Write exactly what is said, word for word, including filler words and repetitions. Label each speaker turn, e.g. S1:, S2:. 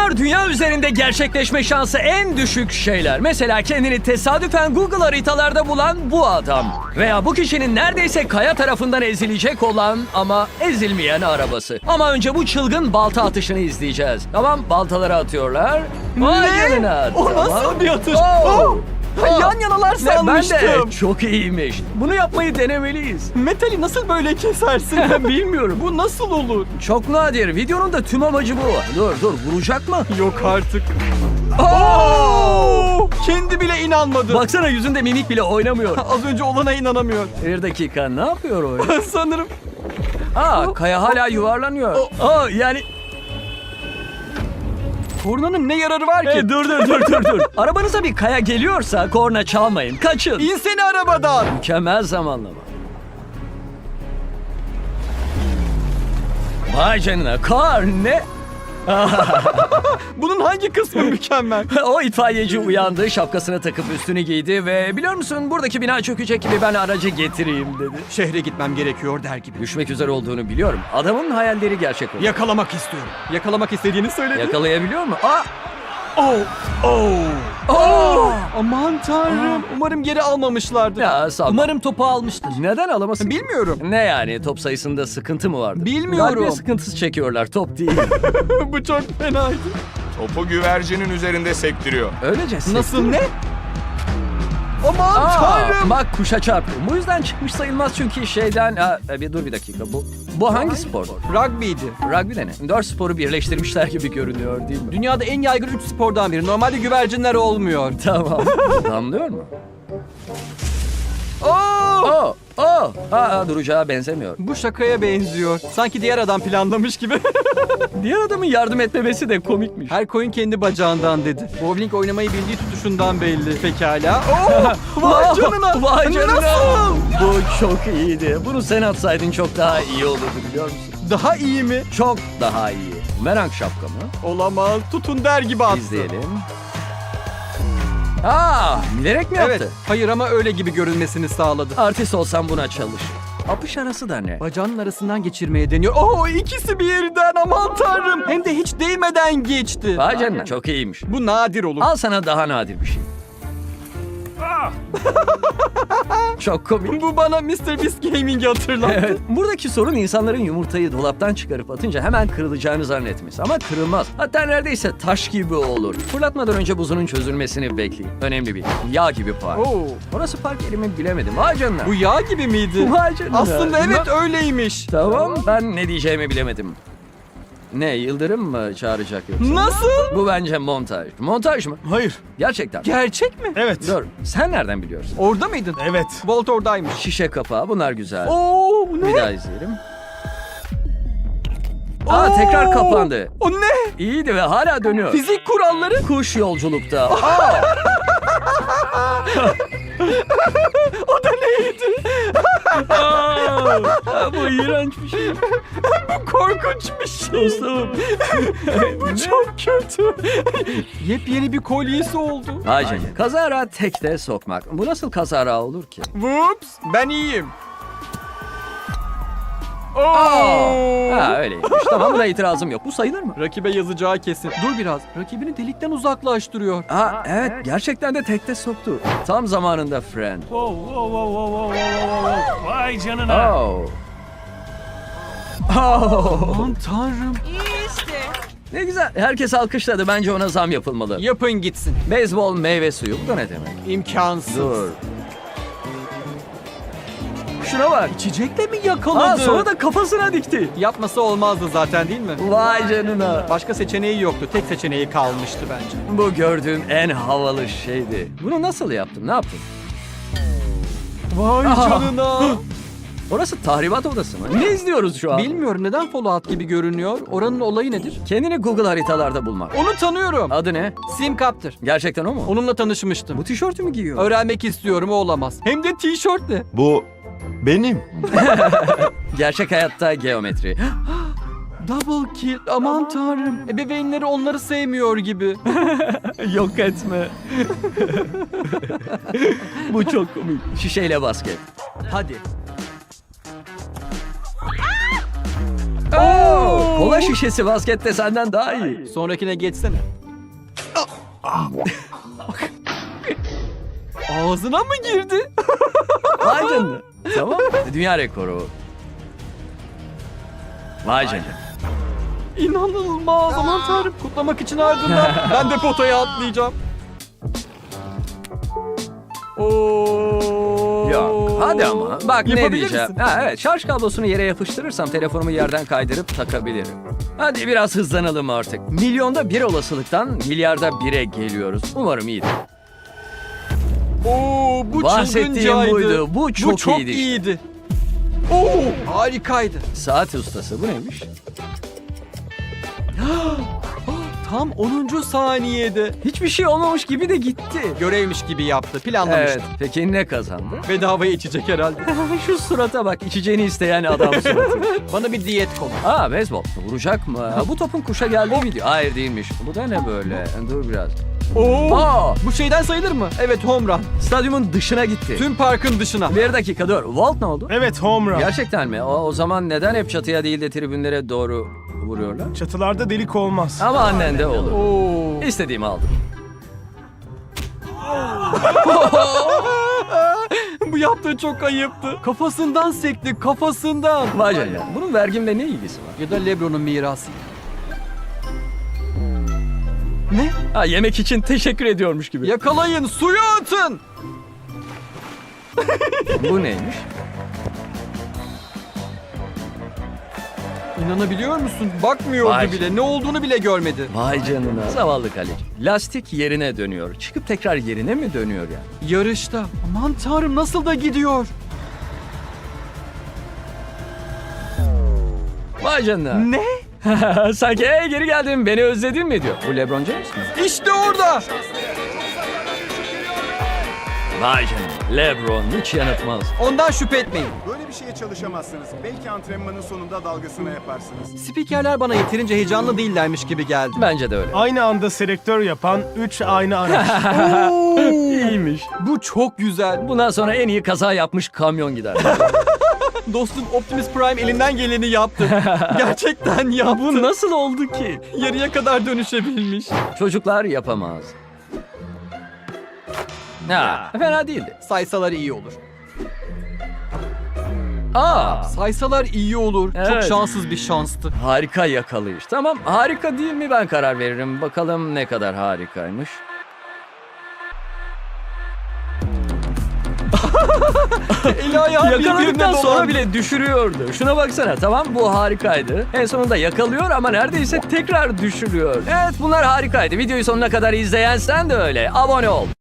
S1: Bunlar dünya üzerinde gerçekleşme şansı en düşük şeyler. Mesela kendini tesadüfen Google haritalarda bulan bu adam. Veya bu kişinin neredeyse kaya tarafından ezilecek olan ama ezilmeyen arabası. Ama önce bu çılgın balta atışını izleyeceğiz. Tamam, baltaları atıyorlar. Vay canına.
S2: O
S1: Tamam.
S2: nasıl bir atış?
S1: Oh.
S2: Oh.
S1: Oh.
S2: Yan yanalar
S1: Ne, ben
S2: sanmıştım.
S1: de. Çok iyiymiş. Bunu yapmayı denemeliyiz.
S2: Metali nasıl böyle kesersin?
S1: Ben bilmiyorum.
S2: Bu nasıl olur?
S1: Çok nadir. Videonun da tüm amacı bu. Dur dur, vuracak mı?
S2: Yok artık.
S1: Oo!
S2: Kendi bile inanmadı.
S1: Baksana, yüzünde mimik bile oynamıyor.
S2: Az önce olana inanamıyor.
S1: Bir dakika, ne yapıyor o?
S2: Sanırım.
S1: Aa, kaya hala yuvarlanıyor. Aa, yani...
S2: Kornanın ne yararı var ki?
S1: Hey, dur dur dur dur dur. Arabanıza bir kaya geliyorsa korna çalmayın. Kaçın.
S2: İnsene arabadan.
S1: Mükemmel zamanlama. Vay canına, kar ne?
S2: Bunun hangi kısmı mükemmel?
S1: O itfaiyeci uyandı, şapkasını takıp üstünü giydi ve biliyor musun, buradaki bina çökecek gibi ben aracı getireyim dedi.
S2: Şehre gitmem gerekiyor der gibi.
S1: Düşmek üzere olduğunu biliyorum. Adamın hayalleri gerçek oldu.
S2: Yakalamak istiyorum. Yakalamak istediğini söyledi.
S1: Yakalayabiliyor mu? Aa!
S2: Oh! Oh!
S1: Oh!
S2: Aman tanrım. Umarım geri almamışlardır.
S1: Ya sağ ol.
S2: Umarım topu almıştır.
S1: Neden alamasın?
S2: Bilmiyorum.
S1: Ne yani, top sayısında sıkıntı mı vardı?
S2: Bilmiyorum.
S1: Galiba sıkıntısı çekiyorlar, top değil.
S2: Bu çok fenaydı.
S3: Topu güvercinin üzerinde sektiriyor.
S1: Öylece
S2: Nasıl ne? Aman
S1: Aa,
S2: tanrım.
S1: bak, kuşa çarptı. Bu yüzden çıkmış sayılmaz çünkü şeyden... Aa, bir dur bir dakika, bu bu hangi spor?
S2: Rugby'di.
S1: Rugby de ne? Dört sporu birleştirmişler gibi görünüyor değil mi?
S2: Dünyada en yaygın üç spordan biri. Normalde güvercinler olmuyor.
S1: Tamam. Damlıyor mu?
S2: Oh!
S1: Oh, oh. Aa, duracağa benzemiyor.
S2: Bu şakaya benziyor. Sanki diğer adam planlamış gibi.
S1: Diğer adamın yardım etmemesi de komikmiş.
S2: Her koyun kendi bacağından dedi. Bowling oynamayı bildiği tutuşundan belli. Pekala. Oh! Vay canına.
S1: Vay canına.
S2: Nasıl?
S1: Bu çok iyiydi. Bunu sen atsaydın çok daha iyi olurdu, biliyor musun?
S2: Daha iyi mi?
S1: Çok daha iyi. Merak şapka mı?
S2: Olamaz. Tutun der gibi attı.
S1: İzleyelim. Aa, bilerek mi yaptı?
S2: Evet. Hayır ama öyle gibi görünmesini sağladı.
S1: Artist olsam buna çalışır. Apış arası da ne?
S2: Bacağının arasından geçirmeye deniyor. Oh, ikisi birden, aman tanrım. Hem de hiç değmeden geçti.
S1: Vay canına, çok iyiymiş.
S2: Bu nadir olur.
S1: Al sana daha nadir bir şey. Çok komik.
S2: Bu bana mister Beast Gaming'i hatırlattı.
S1: Evet. Buradaki sorun insanların yumurtayı dolaptan çıkarıp atınca hemen kırılacağını zannetmesi. Ama kırılmaz. Hatta neredeyse taş gibi olur. Fırlatmadan önce buzunun çözülmesini bekleyin. Önemli bir. Yağ gibi park.
S2: Oo.
S1: Orası park yeri mi bilemedim. Vay canına.
S2: Bu yağ gibi miydi?
S1: Vay canına.
S2: Aslında evet
S1: Na-
S2: öyleymiş.
S1: Tamam, ben ne diyeceğimi bilemedim. Ne, yıldırım mı çağıracak yoksa?
S2: Nasıl?
S1: Bu bence montaj. Montaj mı?
S3: Hayır.
S1: Gerçekten.
S2: Gerçek mi?
S3: Evet.
S1: Dur, sen nereden biliyorsun?
S2: Orada mıydın?
S3: Evet.
S2: Walt oradaymış.
S1: Şişe kapağı, bunlar güzel.
S2: Oo,
S1: Bir
S2: ne?
S1: daha izleyelim. Aa, tekrar kapandı.
S2: O ne?
S1: İyiydi ve hala dönüyor.
S2: Fizik kuralları?
S1: Kuş yolculukta. Aa!
S2: O da neydi?
S1: Aa! Bu iğrenç bir şey.
S2: Bu korkunç bir şey.
S1: Dostum.
S2: Bu çok kötü. Yepyeni bir kolyesi oldu.
S1: Vay canına. Kazara tekte sokmak. Bu nasıl kazara olur ki?
S2: Whoops, ben iyiyim. Oo.
S1: Ha, öyleymiş. Tamam, buna itirazım yok. Bu sayılır mı?
S2: Rakibe yazacağı kesin. Dur biraz. Rakibini delikten uzaklaştırıyor.
S1: Aa, evet, gerçekten de tekte soktu. Tam zamanında friend.
S4: Wow, wow, wow, wow, wow, wow, wow. Vay canına.
S1: Oh. Oh.
S2: Aman tanrım.
S1: Ne güzel. Herkes alkışladı. Bence ona zam yapılmalı.
S2: Yapın gitsin.
S1: Beyzbol meyve suyu. Bu da ne demek?
S2: İmkansız.
S1: Dur. Şuna bak.
S2: İçecekle mi yakaladı?
S1: Aa, sonra da kafasına dikti.
S2: Yapması olmazdı zaten değil mi?
S1: Vay canına.
S2: Başka seçeneği yoktu. Tek seçeneği kalmıştı bence.
S1: Bu gördüğüm en havalı şeydi. Bunu nasıl yaptın? Ne yaptın?
S2: Vay
S1: Aha.
S2: canına.
S1: Orası tahribat odası mı? Ne izliyoruz şu an?
S2: Bilmiyorum neden Fallout gibi görünüyor. Oranın olayı nedir?
S1: Kendini Google haritalarda bulmak.
S2: Onu tanıyorum.
S1: Adı ne?
S2: Simcaptor.
S1: Gerçekten o mu?
S2: Onunla tanışmıştım.
S1: Bu tişörtü mü giyiyor?
S2: Öğrenmek istiyorum, o olamaz. Hem de tişörtle.
S3: Bu benim.
S1: Gerçek hayatta geometri.
S2: Double kill. Aman tanrım. Ebeveynleri onları sevmiyor gibi.
S1: Yok etme. Bu çok komik. Şişeyle basket.
S2: Hadi.
S1: Oo! Kola şişesi baskette senden daha iyi.
S2: Sonrakine geçsene. Ağzına mı girdi?
S1: Vay canına. Tamam. Dünya rekoru. Vay canına.
S2: İnanılmaz. Aman tanrım. Kutlamak için ardından ben de potaya atlayacağım. Oo.
S1: Yok hadi ama. Bak ne
S2: Yapabilir
S1: diyeceğim.
S2: misin?
S1: Ha, evet şarj kablosunu yere yapıştırırsam telefonumu yerden kaydırıp takabilirim. Hadi biraz hızlanalım artık. Milyonda bir olasılıktan milyarda bire geliyoruz. Umarım iyidir.
S2: Oo, bu
S1: Bahsettiğim
S2: çılgıncaydı.
S1: buydu. Bu çok
S2: bu çok
S1: iyiydi işte.
S2: iyiydi. Oo, harikaydı.
S1: Saat ustası bu neymiş?
S2: Tam onuncu saniyede.
S1: Hiçbir şey olmamış gibi de gitti.
S2: Görevmiş gibi yaptı. Planlamıştı.
S1: Evet. Peki ne kazandı?
S2: Bedavaya içecek herhalde.
S1: Şu surata bak. İçeceğini isteyen adam suratı.
S2: Bana bir diyet konu.
S1: Aa beyzbol. Vuracak mı? Ha, bu topun kuşa geldiği video. Hayır değilmiş. Bu da ne böyle? Dur biraz.
S2: Oo.
S1: Aa!
S2: Bu şeyden sayılır mı? Evet, home run.
S1: Stadyumun dışına gitti.
S2: Tüm parkın dışına.
S1: Bir dakika dur. Walt ne oldu?
S4: Evet, home run.
S1: Gerçekten mi? O, o zaman neden hep çatıya değil de tribünlere doğru vuruyorlar?
S4: Çatılarda delik olmaz.
S1: Ama annen de olur.
S2: Oo.
S1: İstediğimi aldım.
S2: Bu yaptığı çok ayıptı. Kafasından sekti, kafasından.
S1: Vay canına. Bunun vergimle ne ilgisi var?
S2: Ya da LeBron'un mirası. Ne?
S1: Ha yemek için teşekkür ediyormuş gibi.
S2: Yakalayın, suya atın.
S1: Bu neymiş?
S2: İnanabiliyor musun? Bakmıyordu
S1: Vay.
S2: bile. Ne olduğunu bile görmedi.
S1: Vay canına. Zavallı kaleci. Lastik yerine dönüyor. Çıkıp tekrar yerine mi dönüyor yani?
S2: Yarışta. Aman tanrım, nasıl da gidiyor.
S1: Vay canına.
S2: Ne?
S1: Sanki "Hey, geri geldim beni özledin mi diyor. Bu LeBron James mi?
S2: İşte orada.
S1: Vay canına. LeBron hiç yanıltmaz.
S2: Ondan şüphe etmeyin.
S5: Böyle bir şeye çalışamazsınız. Belki antrenmanın sonunda dalgasını yaparsınız.
S2: Spikerler bana yeterince heyecanlı değillermiş gibi geldi.
S1: Bence de öyle.
S4: Aynı anda selektör yapan üç aynı araç.
S1: İyiymiş.
S2: Bu çok güzel.
S1: Bundan sonra en iyi kaza yapmış kamyon gider.
S2: Dostum Optimus Prime elinden geleni yaptı. Gerçekten yaptı.
S1: Bu nasıl oldu ki?
S2: Yarıya kadar dönüşebilmiş.
S1: Çocuklar yapamaz. Ha, fena değildi.
S2: Saysalar iyi olur.
S1: Aa,
S2: Saysalar iyi olur. Çok
S1: Evet.
S2: şanssız bir şanstı.
S1: harika yakalayış. Tamam, harika değil mi ben karar veririm. Bakalım ne kadar harikaymış.
S2: Eli ayağı birbirine
S1: Yakaladıktan sonra
S2: dolandı.
S1: bile düşürüyordu. Şuna baksana, tamam bu harikaydı. En sonunda yakalıyor ama neredeyse tekrar düşürüyor. Evet bunlar harikaydı. Videoyu sonuna kadar izleyen sen de öyle. Abone ol.